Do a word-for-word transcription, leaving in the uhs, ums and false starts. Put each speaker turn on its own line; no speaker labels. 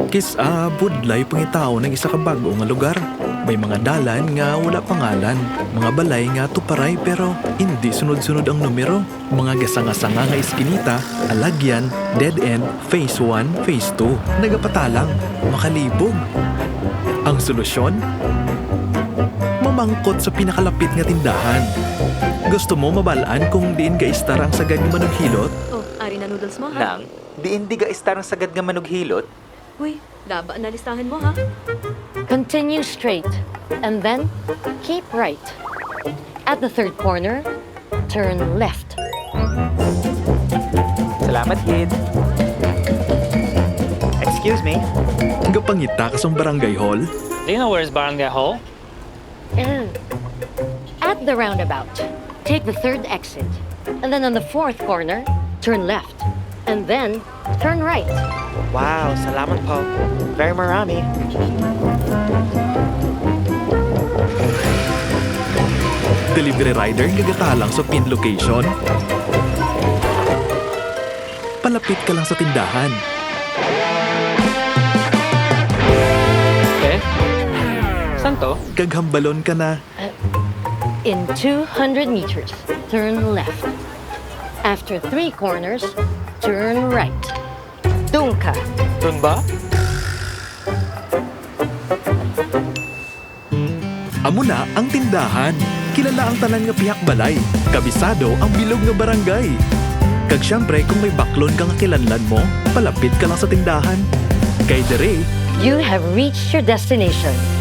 Kis a budlay pangitao ng isa ka bago nga lugar. May mga dalan nga wala pangalan, mga balay nga tuparay pero hindi sunod-sunod ang numero. Mga gasanga-sanga nga iskinita, alagyan, dead end, phase one, phase two. Nagapatalang, makalibog. Ang solusyon? Mamangkot sa pinakalapit nga tindahan. Gusto mo mabalaan kung diin ga istar ang sagad nga manughilot?
Oh, ari na noodles mo, ha?
Nang, di hindi ga istar ang sagad nga manughilot?
Uy, laba na listahan mo, ha?
Continue straight, and then keep right. At the third corner, turn left.
Salamat, kid. Excuse me.
Gapangita ka sa barangay hall?
Do you know where's Barangay Hall?
Mm. At the roundabout, take the third exit, and then on the fourth corner, turn left, and then turn right.
Wow, salamat po. Very marami.
Delivery rider gagatalang sa pin location. Palapit ka lang sa tindahan.
Eh? Saan to?
Gaghambalon ka na.
In two hundred meters, turn left. After three corners, turn right. Doon ka.
Doon ba?
Amo na ang tindahan. Kilala ang tanan nga pihak balay. Kabisado ang bilog nga barangay. Kag syempre kung may baklon kang kilanlan mo, palapit ka lang sa tindahan. Kay dere,
You have reached your destination.